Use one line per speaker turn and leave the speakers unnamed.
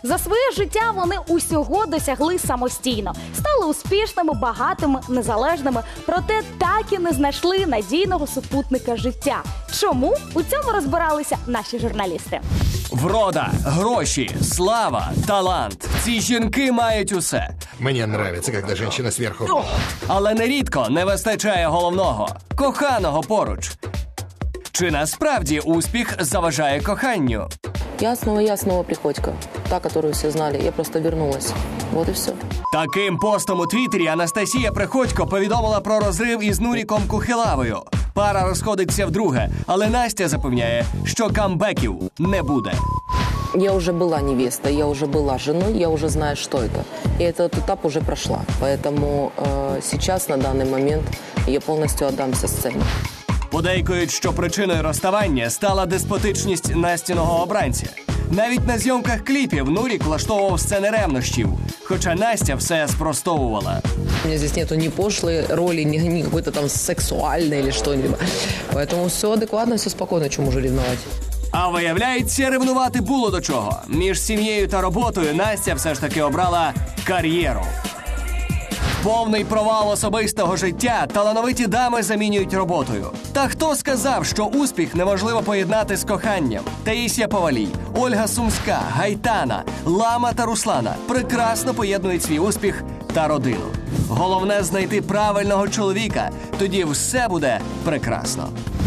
За своє життя вони усього досягли самостійно. Стали успішними, багатими, незалежними, проте так і не знайшли надійного супутника життя. Чому? У цьому розбиралися наші журналісти.
Врода, гроші, слава, талант. Ці жінки мають усе.
Мне нравится, когда женщина сверху.
Але нерідко не вистачає головного – коханого поруч. Чи насправді успіх заважає коханню?
Я снова Приходько. Та, которую все знали. Я просто вернулась. Вот и все.
Таким постом у Твіттері Анастасія Приходько повідомила про розрив із Нуріком Кухилавою. Пара розходиться вдруге, але Настя запевняє, що камбеків не буде.
Я уже была невестой, я уже была женой, я уже знаю, что это. И этот этап уже прошла. Поэтому сейчас, на данный момент, я полностью отдамся сцене.
Подейкують, що причиною розставання стала деспотичність Настіного обранця. Навіть на зйомках кліпів Нурік влаштовував сцени ревнощів, хоча Настя все спростовувала.
У меня здесь нету ни пошлой роли, ни какой-то там сексуальной или что-нибудь. Поэтому все адекватно, все спокойно, чему уже ревновать.
А виявляється, ревнувати було до чого. Між сім'єю та роботою Настя все ж таки обрала кар'єру. Повний провал особистого життя талановиті дами замінюють роботою. Та хто сказав, що успіх неможливо поєднати з коханням? Таїсія Повалій, Ольга Сумська, Гайтана, Лама та Руслана прекрасно поєднують свій успіх та родину. Головне – знайти правильного чоловіка, тоді все буде прекрасно.